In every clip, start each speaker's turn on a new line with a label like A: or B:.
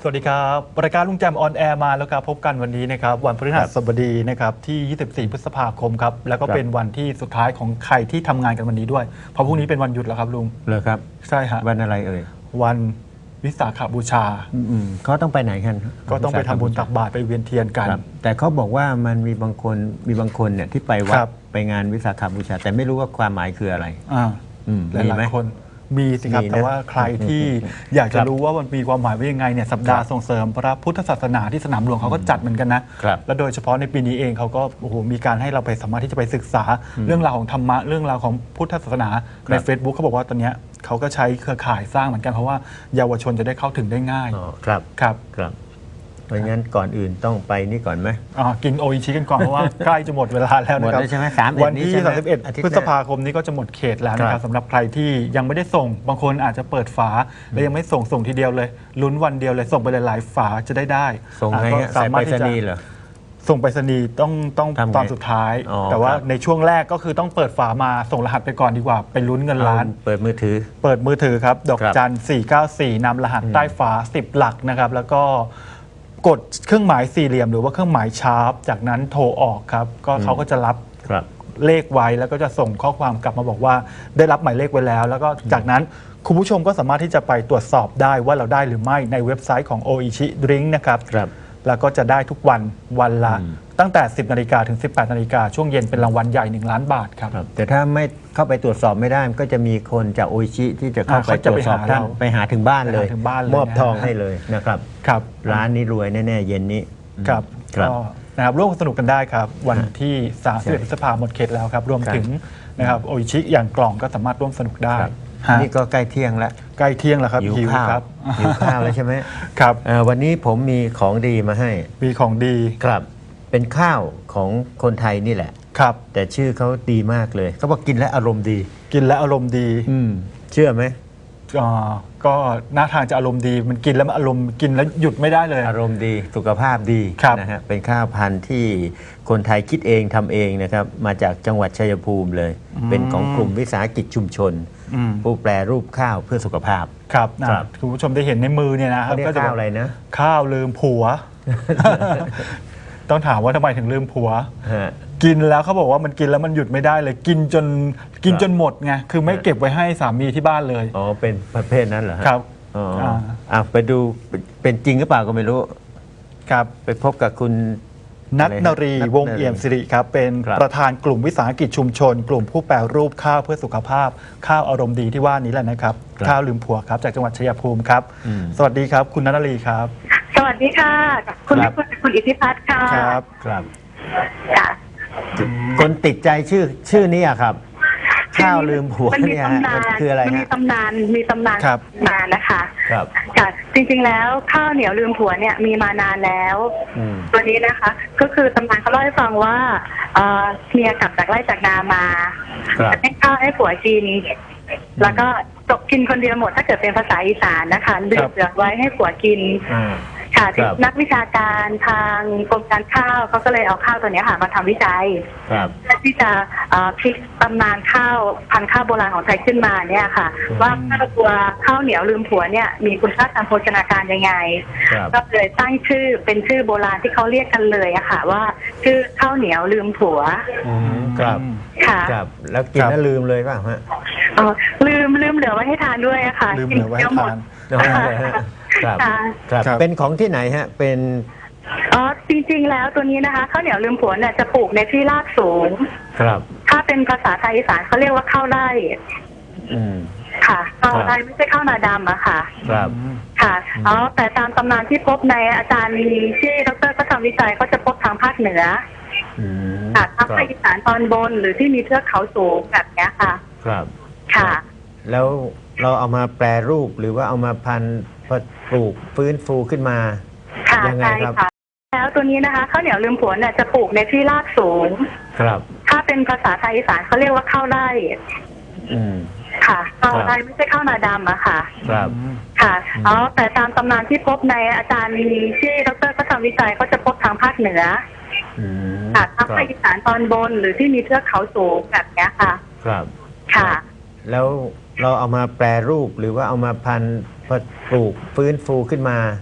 A: สวัสดีครับรายการลุงแจมออนแอร์มาแล้วครับพบกันวันนี้นะครับวันพฤหัสบดีนะครับที่ 24 พฤษภาคมครับแล้วก็เป็นวันที่สุดท้ายของใครที่ทำงานกันวันนี้ด้วยเพราะพรุ่งนี้เป็นวันหยุดแล้วครับลุง
B: เลยครับ
A: ใช่ฮะ
B: วันอะไรเอ่ย
A: วันวิสาขบูชา
B: เขาต้องไปไหนกัน
A: ก็ต้องไปทำบุญตักบาตรไปเวียนเทียนกัน
B: แต่เขาบอกว่ามันมีบางคนเนี่ยที่ไปวัดไปงานวิสาขบูชาแต่ไม่รู้ว่าความหมายคืออะไร
A: หลายๆคนมีสิครับแต่ว่าใครที่อยากจะรู้ว่ามันมีความหมายว่ายังไงเนี่ยสัปดาห์ส่งเสริมพระพุทธศาสนาที่สนามหลวงเขาก็จัดเหมือนกันนะและโดยเฉพาะในปีนี้เองเขาก็โอ้โหมีการให้เราไปสามารถที่จะไปศึกษาเรื่องราวของธรรมะเรื่องราวของพุทธศาสนาใน Facebook เขาบอกว่าตอนนี้เขาก็ใช้เครือข่ายสร้างเหมือนกันเพราะว่าเยาวชนจะได้เข้าถึงได้ง่าย
B: ครับเพราะงั้นก่อนอื่นต้องไปนี่ก่อนไหม
A: กินโออิชิกันก่อนเพราะว่าใกล้จะหมดเวลาแล้วนะครับวันที่31 พฤษภาคมนี้ก็จะหมดเขตแล้วนะครับสำหรับใครที่ยังไม่ได้ส่งบางคนอาจจะเปิดฝาแล้วยังไม่ส่งทีเดียวเลยลุ้นวันเดียวเลยส่งไปหลายๆฝาจะได้
B: ส่งไงสามารถที่จะ
A: ส่งไปรษณีย์ต้องตอนสุดท้ายแต่ว่าในช่วงแรกก็คือต้องเปิดฝามาส่งรหัสไปก่อนดีกว่าไปลุ้นเงินล้าน
B: เปิดมือ
A: ถือครับดอกจัน494นำรหัสใต้ฝา10 หลักนะครับแล้วก็กดเครื่องหมายสี่เหลี่ยมหรือว่าเครื่องหมายชาร์ปจากนั้นโทรออกครับก็เขาก็จะรับเลขไว้แล้วก็จะส่งข้อความกลับมาบอกว่าได้รับหมายเลขไว้แล้วแล้วก็จากนั้นคุณผู้ชมก็สามารถที่จะไปตรวจสอบได้ว่าเราได้หรือไม่ในเว็บไซต์ของ Oichi Drink นะครับแล้วก็จะได้ทุกวันละตั้งแต่ 10 นาฬิกาถึง 18 นาฬิกาช่วงเย็นเป็นรางวัลใหญ่1 ล้านบาทครับ
B: แต่ถ้าไม่เข้าไปตรวจสอบไม่ได้ก็จะมีคนจากโออิชิที่จะเข้าไปตรวจสอบท่านไปหาถึงบ้านเลยมอบทองให้เลยนะครับร้านนี้รวยแน่ๆเย็นนี้
A: ครับก็นะครับร่วมสนุกกันได้ครับวันที่31 พฤษภาคมหมดเขตแล้วครับรวมถึงนะครับโออิชิอย่างกล่องก็สามารถร่วมสนุกได้
B: นี่ก็ใกล้เที่ยงแล้ว
A: ครับหิวข้
B: าวแล้วใช่ไหม
A: ครับ
B: วันนี้ผมมีของดีมาให้
A: มีของดี
B: ครับเป็นข้าวของคนไทยนี่แหละ
A: ครับ
B: แต่ชื่อเขาดีมากเลยเขาบอกกินและอารมณ์ดี
A: เ
B: ชื่อไหม
A: ก็น่าทานจะอารมณ์ดีมันกินแล้วอารมณ์กินแล้วหยุดไม่ได้เลย
B: อารมณ์ดีสุขภาพดีนะฮะเป็นข้าวพันธุ์ที่คนไทยคิดเองทำเองนะครับมาจากจังหวัดชัยภูมิเลยเป็นของกลุ่มวิสาหกิจชุมชนผู้แปรรูปข้าวเพื่อสุขภาพ
A: ครับคุณผู้ชมได้เห็นในมือเนี่ยนะครับ
B: ก็จะข้าวอะไรนะ
A: ข้าวลืมผัวต้องถามว่าทำไมถึงลืมผัวกินแล้วเขาบอกว่ามันกินแล้วมันหยุดไม่ได้เลยกินจนหมดไงคือไม่เก็บไว้ให้สามีที่บ้านเลย
B: เป็นประเภทนั้นเหรอ
A: ครับ
B: ไปดูเป็นจริงหรือเปล่าก็ไม่รู้
A: ครับ
B: ไปพบกับคุณ
A: ณัฐนรีวงเอี่ยมสิริครับเป็นประธานกลุ่มวิสาหกิจชุมชนกลุ่มผู้แปรรูปข้าวเพื่อสุขภาพข้าวอารมณ์ดีที่ว่านี้แหละนะครับข้าวลืมผัวครับจากจังหวัดชัยภูมิครับสวัสดีครับคุณณัฐนรีครับ
C: สวัสดีค่ะคุณอิทธิพัฒน์ค่ะ
B: ครับคนติดใจชื่อนี้ครับข้าวลืมผัวเนี่ยคืออะไร
C: มีตำนานมานะคะค่ะจริงๆแล้วข้าวเหนียวลืมผัวเนี่ยมีมานานแล้วตัวนี้นะคะก็คือตำนานเขาเล่าให้ฟังว่าเมียกลับจากไร่จากนามาให้ข้าวให้ผัวกินแล้วก็ตกกินคนเดียวหมดถ้าเกิดเป็นภาษาอีสานนะคะเหลือไว้ให้ผัวกินค่ะนักวิชาการทางกรมการข้าวเขาก็เลยเอาข้าวตัวนี้ค่ะมาทำวิจัยเพื่อที่จะพลิกตำนานข้าวพันธุ์ข้าวโบราณของไทยขึ้นมาเนี่ยค่ะว่าข้าวเหนียวลืมผัวเนี่ยมีคุณค่าทางโภชนาการยังไงก็เลยตั้งชื่อเป็นชื่อโบราณที่เขาเรียกกันเลยอะค่ะว่าชื่อข้าวเหนียวลืมผัว
B: ครับ
C: ค่ะ
B: แล้วกินแล้วลืมเลยป่ะฮะ
C: ลืมเหลือไว้ให้ทานด้วยอะค่ะ
A: ลืมเหลือไว้ให้ทาน
B: ครับเป็นของที่ไหนฮะเป็น
C: จริงๆแล้วตัวนี้นะคะข้าวเหนียวลืมผัวเนี่ยจะปลูกในที่ราบสูง
B: ครับ
C: ถ้าเป็นภาษาไทยอีสานเขาเรียกว่าข้าวไร่ค่ะข้าวไร่ไม่ใช่ข้าวนาดำอะค่ะ
B: ครับ
C: ค่ะแต่ตามตำนานที่พบในอาจารย์ที่ดร.ก็ทำวิจัยเขาจะพบทางภาคเหนือค่ะทางภาคอีสานตอนบนหรือที่มีเทือกเขาสูงแบบนี้ค่ะ
B: ครับ
C: ค่ะ
B: แล้วเราเอามาแปรรูปหรือว่าเอามาพันธุ์ปลูกฟื้นฟูขึ้นมา
C: ยังไงครับแล้วตัวนี้นะคะข้าวเหนียวลืมผัวเนี่ยจะปลูกในที่ราบสูง
B: ครับ
C: ถ้าเป็นภาษาไทยอีสานเขาเรียกว่าข้าวไร่ค่ะข้าวไร่ไม่ใช่ข้าวนาดำอะค่ะ
B: ครับ
C: ค่ะแต่ตามตำนานที่พบในอาจารย์ที่ดร.ก็ทำวิจัยเขาจะพบทางภาคเหนือค่ะทางภาคอีสานตอนบนหรือที่มีเทือกเขาสูงแบบนี้ค่ะ
B: ครับ
C: ค่ะ
B: แล้วเราเอามาแปรรูปหรือว่าเอามาพันธุ์ปลูกฟื้นฟูขึ้นมา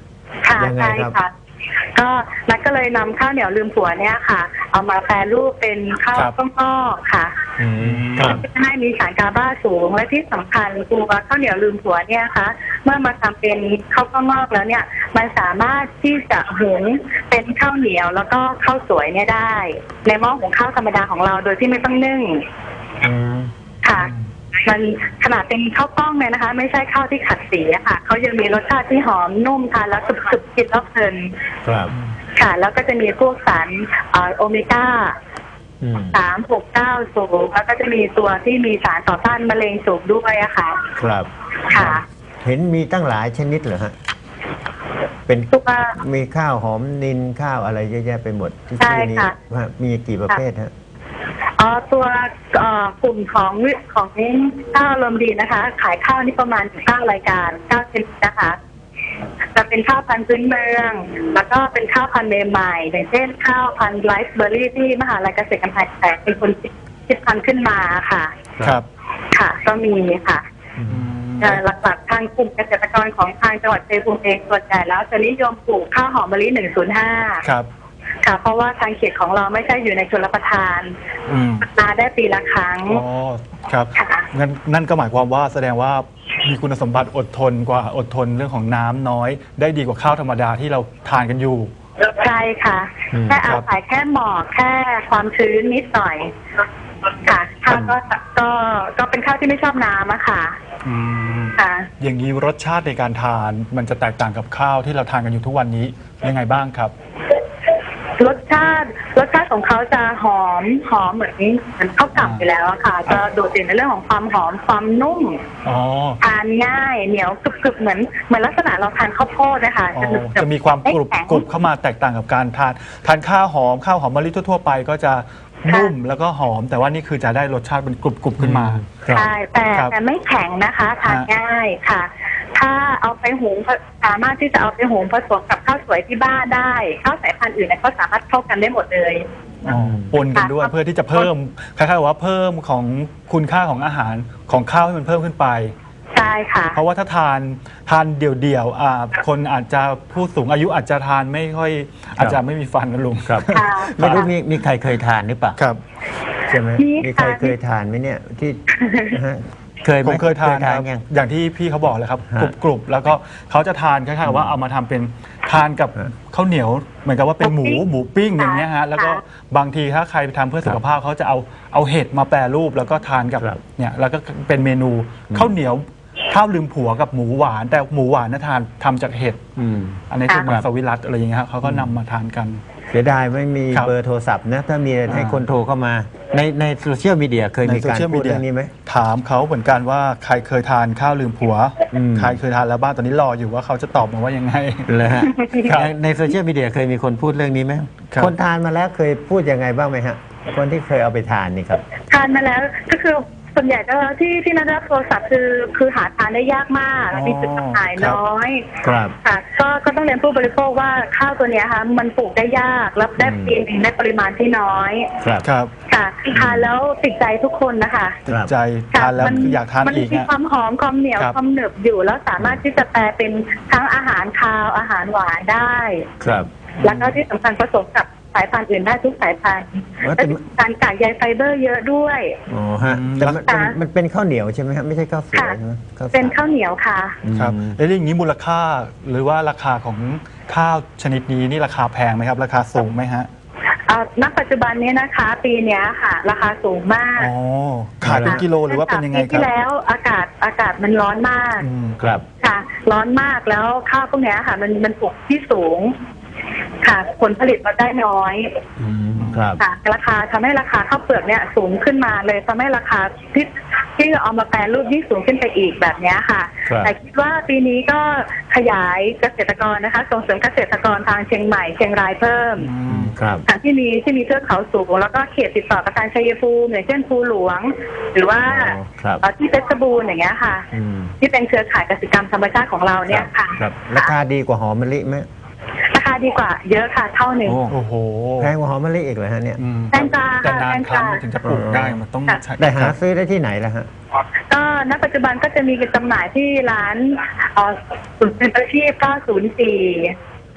C: ค่ะ
B: ยังไง
C: ใช่
B: ครับ
C: ค่ะ ก็นัดก็เลยนำข้าวเหนียวลืมผัวเนี่ยค่ะ เอามาแปรรูปเป็นข้าว
A: ครับ
C: ต้มงอกค่ะ
B: ครับ
C: จะให้มีสารกาบาสูงและที่สำคัญตัวข้าวเหนียวลืมผัวเนี่ยค่ะเมื่อมาทำเป็นข้าวต้มงอกแล้วเนี่ยมันสามารถที่จะหุงเป็นข้าวเหนียวแล้วก็ข้าวสวยเนี่ยได้ ในหม้อหุงข้าวธรรมดาของเราโดยที่ไม่ต้องนึ่ง
B: อืม
C: ค่ะ มันขนาดเป็นข้าวกล้องเลยนะคะ ไม่ใช่ข้าวที่ขัดสีอะค่ะเขายังมีรสชาติที่หอมนุ่มทานแล้วกรึบๆกินแล้วเพลิน
B: ครับ
C: ค่ะ แล้วก็จะมีพวกสารโอเมก้า
B: อืม
C: 369สูงแล้วก็จะมีตัวที่มีสารต่อต้านมะเร็งสูงด้วยอะค่ะ
B: ครับ
C: ค่ะ
B: เห็นมีตั้งหลายชนิดเหรอฮะ เป็น
C: ตัว
B: มีข้าวหอมนินข้าวอะไรเยอะแยะไปหมดที่
C: ใช่
B: ชื่อนี้
C: ค่ะ
B: ว่ามีกี่ประเภทฮะ
C: ตัวกลุ่มของข้าวลมดีนะคะ ขายข้าวนี่ประมาณ9รายการ9ชนิดนะคะจะเป็นข้าวพันธุ์พื้นเมือง แล้วก็เป็นข้าวพันธุ์ใหม่ๆอย่างเช่นข้าวพันธุ์ไรซ์เบอร์รี่ที่มหาลัยเกษตรกำแพงแสนเป็นคนคิดพันธุ์ขึ้นมาค่ะ
A: ครับ
C: ค่ะ ก็มีค่ะ
A: อืม
C: หลักๆทางกลุ่มเกษตรกรของทางจังหวัดชัยภูมิเองส่วนใหญ่แล้วจะนิยมปลูกข้าวหอมมะลิ105
A: ครับ
C: ค่ะ เพราะว่าทางเขตของเราไม่ใช่อยู่ในชลประทาน
A: อืม
C: มาได้ปีละครั้ง
A: อ๋อครับ
C: ค่ะ
A: งั้นนั่นก็หมายความว่าแสดงว่ามีคุณสมบัติอดทนกว่าอดทนเรื่องของน้ำน้อย ได้ดีกว่าข้าวธรรมดาที่เราทานกันอยู่
C: ใช่ค่ะ
B: อืม
C: แค่อาศัยแค่หมอกแค่ความชื้นนิดหน่อย ค่ะข้าวก็เป็นข้าวที่ไม่ชอบน้ำอะค่ะ
A: อืม
C: ค่ะ
A: อย่างนี้รสชาติในการทานมันจะแตกต่างกับข้าวที่เราทานกันอยู่ทุกวันนี้ยังไงบ้างครับ
C: รสชาติของเขาจะหอมเหมือนข้าวกล่ำไปแล้วอะค่ะ จะโดดเด่นในเรื่องของความหอมความนุ่ม
A: อ๋อ
C: ทานง่ายเหนียวกรึบๆเหมือนลักษณะเราทานข้าวโพดนะคะ
A: อ๋อ
C: หนึบๆ
A: จะมีความกรุบ
C: ไแข็ง
A: กรุบเข้ามาแตกต่างกับการทานข้าวหอมมะลิทั่วๆไปก็จะนุ่มแล้วก็หอม แต่ว่านี่คือจะได้รสชาติเป็นกรุบขึ้นมา
B: ครับ
C: ใช่แต่
A: ครับ
C: แต่ไม่แข็งนะคะทาน
A: ฮะ
C: ง่ายค่ะ ถ้าเอาไปหุงสามารถที่จะเอาไปหุงผสมกับข้าวสวยที่บ้านได้ข้าวสายพันธุ์อื่นเนี่ยก็สามารถเข้ากันได้หมดเลย
A: อ๋อปนกันด้วย
C: ค่ะ
A: เพื่อที่จะเพิ่มคล้ายๆกับว่าเพิ่มของคุณค่าของอาหารของข้าวให้มันเพิ่มขึ้นไป
C: ใช่ค่ะ
A: เพราะว่าถ้าทานเดี่ยวๆคนอาจจะผู้สูงอายุอาจจะทานไม่ค่อยอาจจะไม่มีฟันนะลุง
B: ครับ
C: ค่ะ
B: ไม่รู้มีใครเคยทานหรือเปล่า
A: ครับ
B: ใช่ไหม
C: มี
B: มีใคร
C: ค่ะ
B: เคยทานไหมเนี่ยที่นะฮะเคยไห
A: ผมเคยทานครับ
B: ยัง
A: อย่างที่พี่เขาบอกเลยครับ
B: ฮะ
A: กรุบๆแล้วก็เขาจะทานคล้ายๆกับว่าเอามาทำเป็นทานกับ
B: ฮะ
A: ข้าวเหนียวเหมือนกับว่าเป็นหมู
C: หมูปิ้ง
A: ปิ้งอย่างเงี้ยฮะแล้วก็
C: ค่ะ
A: บางทีถ้าใครไปทำเพื่อสุขภาพเขาจะเอาเห็ดมาแปรรูปแล้วก็ทานกับ
B: ครับ
A: เนี่ยแล้วก็เป็นเมนูข้าวเหนียวข้าวลืมผัวกับหมูหวาน แต่หมูหวานนะทำจากเห็ด
B: อืม
A: อันนี้คือมังสวิรัตอะไรอย่างเงี้ยครับเขาก็นำมาทานกัน
B: เสียดายไม่มี
A: ครับ
B: เบอร์โทรศัพท์นะ ถ้ามีให้คนโทรเข้ามา ในโซเชียลมีเดียเคยมีการพูดเรื่องนี้ไหม
A: ถามเขาเหมือนกันว่าใครเคยทานข้าวลืมผัว
B: อืม
A: ใครเคยทานแล้วบ้างตอนนี้รออยู่ว่าเขาจะตอบมาว่ายังไง
B: เลยฮะ
A: ครับ
B: ในโซเชียลมีเดียเคยมีคนพูดเรื่องนี้ไหม
A: ครับ
B: คนทานมาแล้วเคยพูดยังไงบ้างไหมฮะ คนที่เคยเอาไปทานนี่ครับ
C: ทานมาแล้วก็คือส่วนใหญ่ก็ที่นัดรับโทรศัพท์คือหาทานได้ยากมากมีจุดจำหน่ายน้อย
B: ครับ
C: ค่ะก็ต้องเรียนผู้บริโภคว่าข้าวตัวเนี้ยค่ะมันปลูกได้ยากแล้วได้ในปริมาณที่น้อย
B: ครับ
A: ครับ
C: ค่ะทานแล้วติดใจทุกคนนะคะ
A: ติดใจ
C: ค่ะ
A: ทานแล้วคืออยากทาน
C: มัน
A: อีก
C: มี
A: ฮะ
C: ความหอมความเหนียว
A: ครับ
C: ความหนึบอยู่แล้วสามารถที่จะแปลเป็นทั้งอาหารคาวอาหารหวานได้
B: ครับ
C: แล้วก็ที่สำคัญผสมกับสายพันธุ์อื่นได้ทุกสายพันธุ์
B: ว่า
C: และ
B: แต่
C: การกากใยไฟเบอร์เยอะด้วย
B: อ๋อฮะแต่มันเป็นข้าวเหนียวใช่ไหมฮะไม่ใช่ข้าวสวย
C: ค่ะ
B: ใช่ไหมข้าวสาร
C: เป็นข้าวเหนียวค่ะ
A: ครับแล้วอย่างนี้มูลค่าหรือว่าราคาของข้าวชนิดนี้นี่ราคาแพงไหมครับ ราคาสูงไหมฮะ
C: ณปัจจุบันนี้นะคะ ปีเนี้ยค่ะ ราคาสูงมาก
A: อ๋อขายเป็นกิโลหรือว่าเป็นยังไง
C: ปี
A: ครั
C: ที่
A: บ
C: แล้วอากาศมันร้อนมาก
A: อืม
B: ครับ
C: ค่ะ ร้อนมากแล้วข้าวพวกเนี้ยค่ะ มันปลูกที่สูง ค่ะ ผลผลิตเราได้น้อย
B: ครับ
C: ค่ะราคาทำให้ราคาข้าวเปลือกเนี่ยสูงขึ้นมาเลยทำให้ราคาที่เอามาแปรรูปยิ่งสูงขึ้นไปอีกแบบเนี้ยค่ะ
B: ครับ
C: แต่คิดว่าปีนี้ก็ขยายเกษตรกรนะคะส่งเสริมเกษตรกรทางเชียงใหม่เชียงรายเพิ่ม
B: ครับ
C: ทางที่มีเทือกเขาสูงแล้วก็เขตติดต่อกับทางชัยภูมิอย่างเช่นภูหลวง หรือว่า
B: อ๋อครับ
C: ที่เพชรบูรณ์อย่างเงี้ยค่ะ
B: อืม
C: ที่เป็นเครือข่ายกสิกรรมธรรมชาติของเราเนี่ยค่ะ
B: ครับราคาดีกว่าหอมมะลิไหม
C: ราคาดีกว่าเยอะค่ะเท่าหนึ่ง
A: โอ้โห
B: แพงกว่าหอมมะลิอีกเลยฮะเนี่ย
A: อืม
C: แตงกวา
A: แต่นาน
C: แตง
A: ค
C: กวา
A: รั้งมันถึงจะปลูกได้มันต้อง
C: ค่ะ
A: ใช้
B: แต่หาซื้อได้ที่ไหนล่ะฮะ
C: ก็ณปัจจุบันก็จะมีจำหน่ายที่ร้านศูนย์เป็นอาชีพ904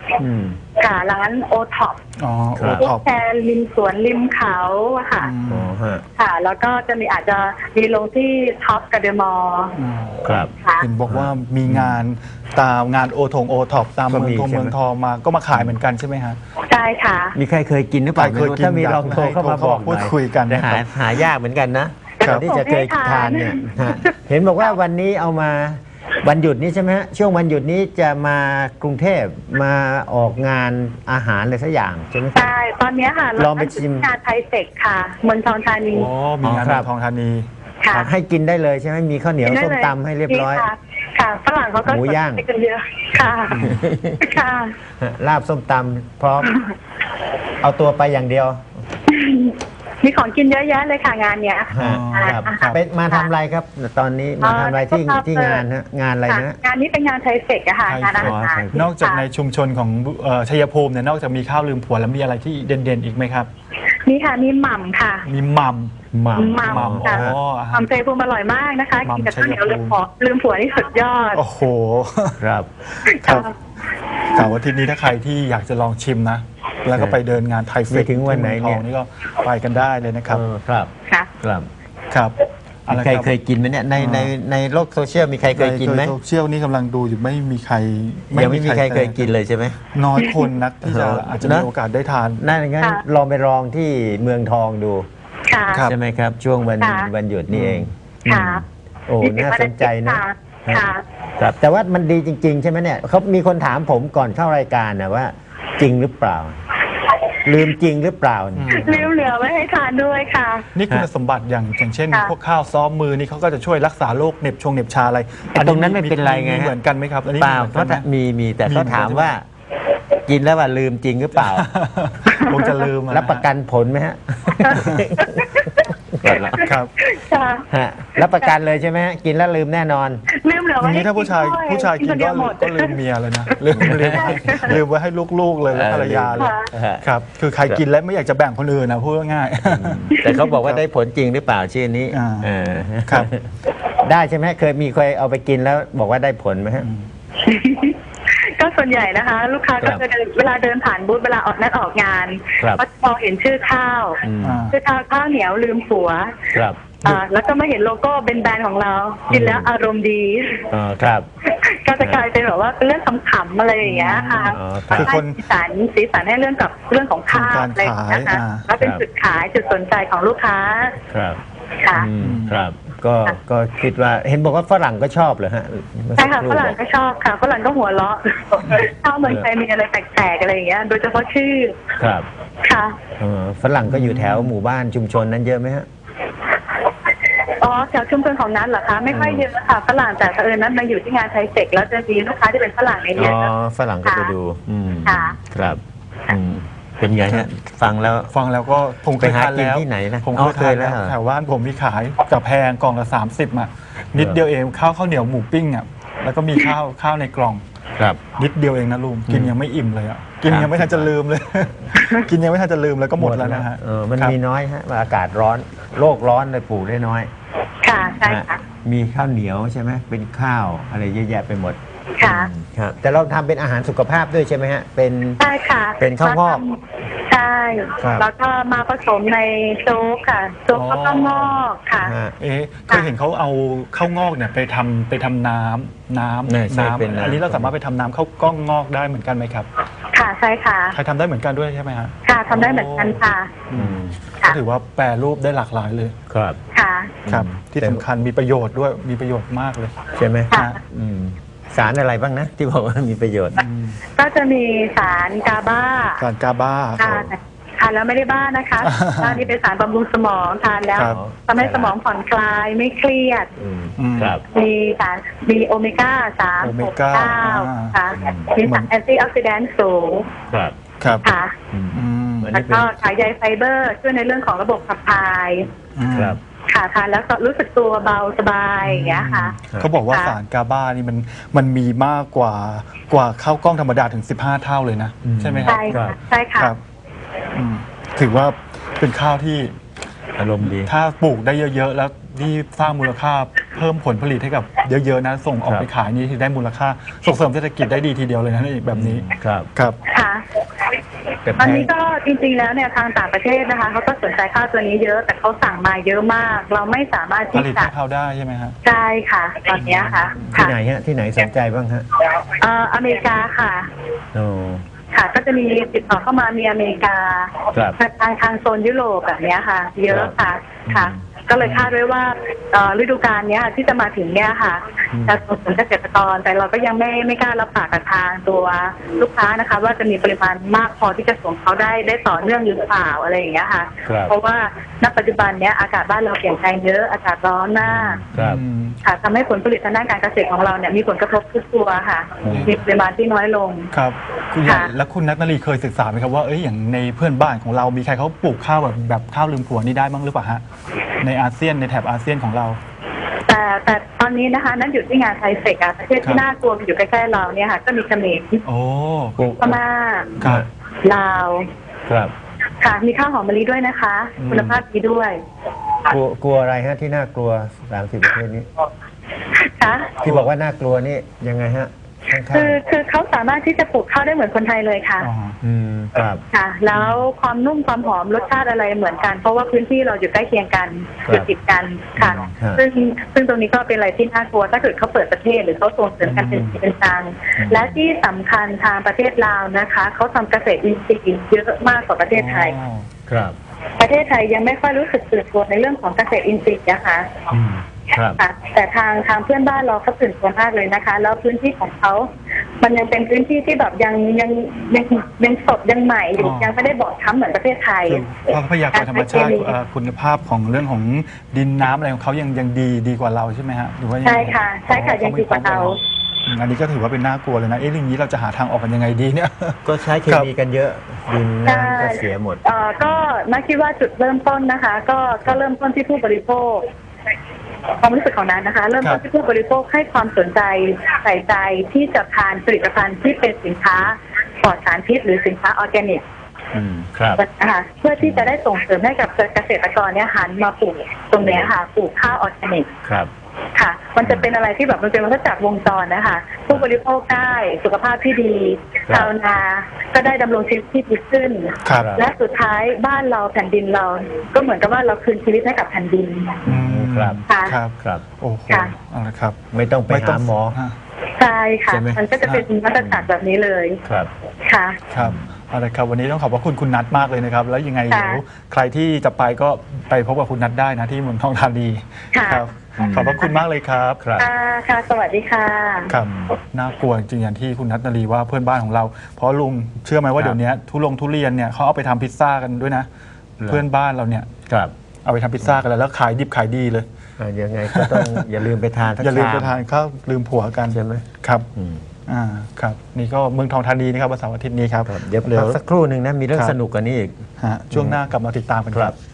C: ค่ะร้านโอท็อป
A: อ๋อโอ
C: พว
A: ท็อก ป
C: แชร์ริมสวนริมเขาอะค่ะ
B: อ๋อฮะ
C: ค่ะ แล้วก็จะมีอาจจะมีลงที่ท็อปกับเดอะมอลล์
B: ครับ
C: ค่ะ
A: เห็นบอกว่ามีงานตามงานโอท็อปตาม
B: ก็
A: เมือง
B: มี
A: ทอง
B: ใช่ไหม
A: เมืองทองมาก็มาขายเหมือนกันใช่ไหมฮะ
C: ใช่ค่ะ
B: มีใครเคยกินหรือเปล่า
A: ใครเคยกิน
B: ถ้ามีลองโทรเข้ามาบอกห
A: พู
B: น่
A: ด
B: อย
A: คุยกัน
B: แต่
A: นะครับ
B: หายากเหมือนกันนะครับ ที่จะเคยทานเนี่ยฮะเห็นบอกว่าวันนี้เอามาวันหยุดนี้ใช่ไหมฮะช่วงวันหยุดนี้จะมากรุงเทพมาออกงานอาหารอะไรสักอย่างใช่ไหมครับ
C: ใช่ ตอนเนี้ยค่ะ
B: ลองไปชิม
C: งานไทยเทคค่ะเมืองทองธานี
A: โอ้มีงาน
B: อ๋อครับ
A: เมืองทองธานี
C: ค่ะ
B: ให้กินได้เลยใช่ไหมมีข้าวเหนียว
C: กินได้
B: ส้ม
C: เลย
B: ตำให้เรียบร้อย
C: ค่ะค่ะฝรั่งเขาก็
B: หมูย่าง
C: สนใจกันเยอะค่ะค่ะ
B: ลาบส้มตำพร้อม เอาตัวไปอย่างเดียว
C: มีของกินเยอะแยะเลยค่ะงานเนี้ย
A: อ๋อ
B: ครับ
C: ค่ะ
B: ไปมาทำอะไรครับ ตอนนี้มาทำอะไรที่งานฮะงานอะไร
C: ค่ะ
B: นะ
C: งานนี้เป็นงานไทยเฟกอะค่ะ
A: ไทย
C: งานอาหาร
A: นอกจากในชุมชนของชัยภูมิเนี่ยนอกจากมีข้าวลืมผัวแล้วมีอะไรที่เด่นๆอีกไหมครับ
C: นี่ค่ะมีหม่ำค่ะ
A: มีหม่ำ
B: หม่ำ
C: หม่ำ
A: หม่ำ
C: ค่ะ
A: อ๋อ
C: หม่ำชัยภูมิอร่อยมากนะคะ
A: หม่ำ
C: กินกับข้าวเหนียว
A: ชัยภูมิ
C: ลืมผัวนี่สุดยอด
A: โอ้โห
B: ครับ
A: ครับ กล่าวว่าทีนี้ถ้าใครที่อยากจะลองชิมนะ แล้วก็ไปเดินงานไทยเฟ
B: ไม่
A: ส
B: ถึงวันไหน
A: ที่มืองทอง
B: เนี่ย
A: นี่ก็ไปกันได้เลยนะครับ
B: ครับ
C: ค่ะ
B: ครับ
A: ครับอะไร
B: ใคร
A: ครับ
B: เคยกินไหมเนี่ยในโลกโซเชียลมีใครเคยกินไหม
A: โซเชียลนี่กำลังดูอยู่ไม่มีใคร
B: ยังไม่มีใครเคยกินเลยใช่ไหม
A: น้อยคนนักที่จะอาจจะมี
B: นะ
A: โอกาสได้ทาน
B: นั่นงั้น
C: ค่ะ
B: ลองไปลองที่เมืองทองดู
C: ค่ะ
A: ครับ
B: ใช่ไหมครับ ช่วงวัน
C: ค่ะ
B: วันหยุดนี่เอง
C: ค่ะ
B: โอ้น่าสนใจนะ
C: ค่ะ
B: ครับแต่ว่ามันดีจริง ๆ ใช่ไหมเนี่ยเขามีคนถามผมก่อนเข้ารายการนะว่า จริงหรือเปล่า ลืมจริงหรือเปล่า
C: ลืมเหลือไว้ให้ทานด้วยค่ะ
A: นี่คุณสมบัติอย่างเช่น
C: ค่ะ
A: พวกข้าวซ้อมมือนี่เขาก็จะช่วยรักษาโรคเหน็บชงเหน็บชาอะไร
B: ตรงนั้นไม่เป็นไรไง
A: มีเหมือนกันไหมครับ อันนี้
B: เปล่า
A: หมือน
B: เขา
A: กันไหม
B: มีแต่เขาถาม
A: มีเหมือนกัน
B: ว่า กินแล้วว่าลืมจริงหรือเปล่า
A: คงจะลืมอ
B: รับประกันผลไหมฮะ
A: ครับ
C: ค่ะ
B: ฮะรับประกันเลยใช่ไหมฮะกินแล้วลืมแน่นอน
C: ลืมเหลือ
A: อ
C: ไว้
A: ย่าง
C: ให้
A: นี้ถ้าผู้ชาย
C: ด้วย
A: กิน
C: คเดียวหมด
A: ก็ลืมเมียเลยนะลืมไว้ให้ลูกๆเลยและภรรยาเลย
C: ค่ะ
A: ครับ คือใครกินแล้วไม่อยากจะแบ่งคนอื่นนะพูดง่ายๆ
B: แต่เขาบอกว่าได้ผลจริงหรือเปล่าชื่อนี้
A: อ่า
B: เออ
A: ครับ
B: ได้ใช่ไหมเคยเอาไปกินแล้วบอกว่าได้ผลไหมฮะ
C: ก็ส่วนใหญ่นะคะ ลูกค้า
B: ครั
C: ก็
B: บ
C: จะเวลาเดินผ่านบูธเวลาออกนัดออกงาน
B: ครับ
C: ก็มองเห็นชื่อข้าว
B: อืม
A: อ่า
C: ชื่อข้าวเหนียวลืมผัว
B: ครับ
C: แล้วก็มาเห็นโลโก้เป็นแบรนด์ของเรา กินแล้วอารมณ์ดี
B: อ๋อครับ
C: ก็จะกลายเป็นแบบว่าเป็นเรื่องขำๆอะไรอย่างเงี้ยค่ะ
B: อ๋อครับ
A: คือคน
C: สีสันให้เรื่องกับเรื่องของข้าว
A: การ
C: อะไรอย่างเงี้ย
A: ขาย
C: ค่ะ
A: อ่า
C: แล้วเป็นจุดขายจุดสนใจของลูกค้า
B: ครับ
C: ค่ะ
B: อืมครับ ก็คิดว่าเห็นบอกว่าฝรั่งก็ชอบเหรอฮะเมื่อ
C: ใช่
B: สัก
C: ค่ะ
B: รู่
C: ฝรั่งก็ชอบค่ะฝรั่งก็หัวเราะข้าวเมืองไทยมีอะไรแปลกๆอะไรอย่างเงี้ย โดยเฉพาะชื่อ
B: ครับ
C: ค่ะ
B: ฝรั่งก็อยู่แถวหมู่บ้านชุมชนนั้นเยอะไหมฮะ
C: อ๋อแถวชุมชนของนั้นเหรอคะไม่ค่อยเยอะค่ะฝรั่งแต่เผอิญนั้นมาอยู่ที่งานไทยเฟกแล้วจะมีลูกค้าที่เป็นฝรั่งใน
B: อ๋
C: เนี้ย
B: อฝรั่งก็ไปดู อืม
C: ค่ะ
B: ครับอืมเป็นไงฮะฟังแล้ว
A: ฟังแล้วก็ผมเคย
B: ไปหา
A: ทานแล้ว
B: กินที่ไหนนะ
A: ผม
B: อ๋
A: เค
B: อย เค
A: ทาย น
B: แล้
A: แล้ว ว
B: เหรอ
A: แถวบ้านผมมีขายกับแพงกล่องละ30อ่ะนิดเดียวเองข้าวเหนียวหมูปิ้งอ่ะแล้วก็มีข้าวในกล่อง
B: ครับ
A: นิดเดียวเองนะลุงกินยังไม่อิ่มเลยอ่ะกิน
B: ครับ
A: ยังไม่ทันจะลืมเลย กินยังไม่ทันจะลืมแล้วก็หมดแล้วนะฮะ
B: มัน
A: ครับ
B: มีน้อยฮะอากาศร้อนโลกร้อนเลยปลูกได้น้อย
C: ค่ะใช่ค่ะ
B: มีข้าวเหนียวใช่ไหมเป็นข้าวอะไรเยอะแยะไปหมด
C: ค่ะ
B: ครับแต่เราทำเป็นอาหารสุขภาพด้วยใช่ไหมฮะเป็น
C: ใช่ค่ะ
B: เป็นข้าวงอก
C: ใช่
B: ครับ
C: แล้วก็มาผสมในโจ๊กค่ะโจ๊กข้าวงอกค่ะ
B: ฮะ
A: เอ๊ะเคยเห็นเขาเอาข้าวงอกเนี่ยไปทำน้ำ
B: เนี่ยใช่เป็นน้ำ
A: อันนี้เราสามารถไปทำน้ำข้าวกล้องงอกได้เหมือนกันไหมครับ
C: ค่ะใช่ค่ะ
A: ใครทำได้เหมือนกันด้วยใช่ไหมฮะ
C: ค่ะทำได้เหมือนกันค่ะ
B: อืม
A: ก็ถือว่าแปรรูปได้หลากหลายเลย
B: ครับ
C: ค่ะ
A: ครับ
B: อืม
A: ที่สำคัญมีประโยชน์ด้วยมีประโยชน์มากเลย
B: ใช่ไหม
C: ค่ะ
B: อืมสารอะไรบ้างนะ ที่บอกว่ามีประโยชน์
C: ก็จะมีสารกาบ้า
A: การกาบ้า
C: ค่ะทานแล้วไม่ได้บ้านะคะบ้านี่เป็นสารบำรุงสมองทานแล้ว
A: ครับ
C: ทำให้สมองผ่อนคลายไม่เครียด
B: อืม
A: อืม
B: ครับ
C: มีโอเมก้า3
A: โอเมก้า
C: 9ค่ะ
B: อืม
C: มีสารแอนตี้ออกซิแดนต์สูง
B: ครับ
A: ครับ
C: ค่ะ
B: อืม
A: อืม
B: อัน
C: แล้
B: นี้
C: ว
B: เป็น
C: ก็ขายใยไฟเบอร์ช่วยในเรื่องของระบบขับถ่าย
A: อืม
B: ครับ
C: ค่ะทานแล้วก็รู้สึกตัวเบาสบายอย่างเงี้ยค่ะ
A: เขาบอกว่า
C: ค่ะ
A: สารกาบ้านี่มันมีมากกว่าข้าวกล้องธรรมดาถึง15 เท่าเลยนะ
B: อืม
A: ใช่ไหมครับ
C: ใช่ค่ะใช่ค่ะ
A: ครับอืมถือว่าเป็นข้าวที่
B: อารมณ์ดี
A: ถ้าปลูกได้เยอะๆ แล้วที่สร้างมูลค่าพิ่มผลผลิตให้กับเยอะๆนะส่งออกไปขายนี่ที่ได้มูลค่าส่งเสริมเศรษฐกิจได้ดีทีเดียวเลยนะนี่แบบนี้
B: ครับ
A: ครับ
C: ค่ะตอนนี้ก็จริงๆแล้วเนี่ยทางต่างประเทศนะคะเขาก็สนใจข้าวตัวนี้เยอะแต่เขาสั่งมาเยอะมาก เราไม่สามารถ
A: ผ
C: ที่
A: ลิต
C: จะ
A: ให้เขาได้ใช่ไหมฮะ
C: ใช่ค่ะตอนเนี้ยค่ะ
B: ที่ไหนฮะที่ไหนสนใจบ้างฮะ
C: อเมริกาค่ะ
B: โอ้
C: ค่ะก็จะมีติดต่อเข้ามามีอเมริกา
B: ครับ
C: ทางโซนยุโรปแบบเนี้ยค่ะ เยอะค่ะ
B: ครับ
C: ค่ะ ก็เลยคาดไว้ว่าฤดูกาลเนี้ยที่จะมาถึงเนี้ยค่ะจะส่งเสริมเกษตรกรแต่เราก็ยังไม่กล้ารับปากกับทางตัวลูกค้านะคะ ว่าจะมีปริมาณมากพอที่จะส่งเขาได้ต่อเนื่องหรือเปล่าอะไรอย่างเงี้ยค่ะ
B: ครับ
C: เพราะว่าณปัจจุบันเนี้ยอากาศบ้านเราเปลี่ยนแปลงเยอะอากาศร้อนมาก
B: ครับ
C: ค่ะทำให้ผลผลิตทางด้านการเกษตรของเราเนี่ยมีผลกระทบทุกตัวค่ะมีปริมาณที่น้อยลง
A: ครับคุณใหญ่
C: ค่ะ
A: แล้วคุณนัทนรีเคยศึกษาไหมครับว่าอย่างในเพื่อนบ้านของเรามีใครเขาปลูกข้าวแบบข้าวลืมผัวนี่ได้บ้างหรือเปล่าฮะในอาเซียนในแถบอาเซียนของเรา
C: แต่ตอนนี้นะคะนั่นอยู่ที่งานไทเฟกอะประเทศ
A: ครั
C: ที่
A: บ
C: น่ากลัวอยู่ใกล้ๆเราเนี่ยค่ะก็มีเขมร
A: โอ้
C: พม่า
A: ครับ
C: ลาว
B: ครับ
C: ค่ะมีข้าวหอมมะลิด้วยนะคะ คุณภาพดีด้วย
B: กลัวอะไรฮะที่น่ากลัว30ประเทศนี้
C: ค่ะ
B: ที่บอกว่าน่ากลัวนี่ยังไงฮะข้างๆ
C: คือเขาสามารถที่จะปลูกข้าวได้เหมือนคนไทยเลยค่ะ
A: อ๋อ
B: ครับ
C: ค่ะ แล้วความนุ่มความหอมรสชาติอะไรเหมือนกัน เพราะว่าพื้นที่เราอยู่ใกล้เคียงกัน
B: ครับ
C: อยู่ติดกันค่ะ
B: ครับ
C: ซึ่งตรงนี้ก็เป็นอะไรที่น่ากลัวถ้าเกิดเขาเปิดประเทศหรือเขาส่งเสริมกันเป็นจริงเป็นจังและที่สำคัญทางประเทศลาวนะคะเขาทำเกษตรอินทรีย์เยอะมากกว่าประเทศไทย
B: ครับ
C: ประเทศไทยยังไม่ค่อยรู้สึกตื่นตัวในเรื่องของเกษตรอินทรีย์นะคะ
B: ครับ
C: ค่ะแต่ทางเพื่อนบ้านเราเขาตื่นตัวมากเลยนะคะ แล้วพื้นที่ของเขา มันยังเป็นพื้นที่ที่แบบยังสดยังใหม่อยู่
A: อ๋อ
C: ยังไม่ได้บอบช้ำเหมือนประเทศไทย
A: คือทรัพยากรธรรมชาติคุณภาพของเรื่องของดินน้ำอะไรของเขายังดีกว่าเราใช่ไหมฮะหรือว่ายังไง
C: ใช่ค่ะใช่ค่ะยังดีกว่าเรา
A: อันนี้ก็ถือว่าเป็นน่ากลัวเลยนะเรื่องนี้เราจะหาทางออกกันยังไงดีเนี่ย
B: ก็ใช้เคมีกันเยอะดินน้ำก็เสียหมด
C: ก็นักคิดว่าจุดเริ่มต้นนะคะ ก็เริ่มต้นที่ผู้บริโภคความรู้สึกของนั้นนะคะ เริ่มต้นที่ผู้บริโภคให้ความสนใจใส่ใจที่จะทานผลิตภัณฑ์ที่เป็นสินค้าปลอดสารพิษหรือสินค้าออร์แกนิก
B: ครับ
C: นะคะเพื่อที่จะได้ส่งเสริมให้กับเกษตรกรเนี่ยหันมาปลูกตรงเนี้ยค่ะปลูกข้าวออร์แกนิก
B: ครับ
C: ค่ะ มันจะเป็นอะไรที่แบบมันเป็นวัฏจักรวงจรนะคะ ผู้บริโภคได้สุขภาพที่ดี
B: ครับ
C: ชาวนาก็ได้ดำรงชีวิตที่ดีขึ้น
A: ครับ
C: และสุดท้ายบ้านเราแผ่นดินเรา ก็เหมือนกับว่าเราคืนชีวิตให้กับแผ่นดิน
B: ครับ
C: ค่ะ
A: ครับ
B: ครับ
A: โอ้โห
C: ค่ะ
A: เอาละครับ
B: ไม่ต้องไปหาหมอ
A: ฮะ
C: ใช่ค่ะ
B: ใช่ไหม
C: มันก็จะเป็นวัฏจักรแบบนี้เลย
B: ครับ
C: ค่ะ
A: ครับเอาละครับวันนี้ต้องขอบพระคุณคุณนัทมากเลยนะครับ แล้วยังไง
C: ค่ะ
A: เดี๋ยวใครที่จะไปก็ไปพบกับคุณนัทได้นะที่เมืองทองธานี
C: ค่ะ
A: ครับขอบพระคุณมากเลยครับ
B: ครับ
C: ค่ะ สวัสดีค่ะ
A: ครับน่ากลัวจริงๆอย่างที่คุณนัทนารีว่าเพื่อนบ้านของเรา เพราะลุงเชื่อไหมว่า
B: ครับ
A: เดี๋ยวนี้ทุเรียนเนี่ยเขาเอาไปทำพิซซ่ากันด้วยนะ เพื่อนบ้านเราเนี่ย
B: ครับ
A: เอาไปทำพิซซ่ากันแล้วขายดิบขายดีเลย
B: ยังไงก็ต้อง อย่าลืมไปทานสัก
A: อย่าลืม
B: ช
A: ไปทานข้าวลืมผัวกัน
B: ใช่ไหม
A: ครับ
B: อืม
A: ครับนี่ก็เมืองทองธานีนะครับวันเสาร์อาทิตย์นี้ครับ
B: เดี๋ยวพักสักครู่หนึ่งนะมีเรื่อง
A: ครับ
B: สนุกกว่านี้อีก
A: ฮะช่วงหน้ากลับมาติดตามกันครับ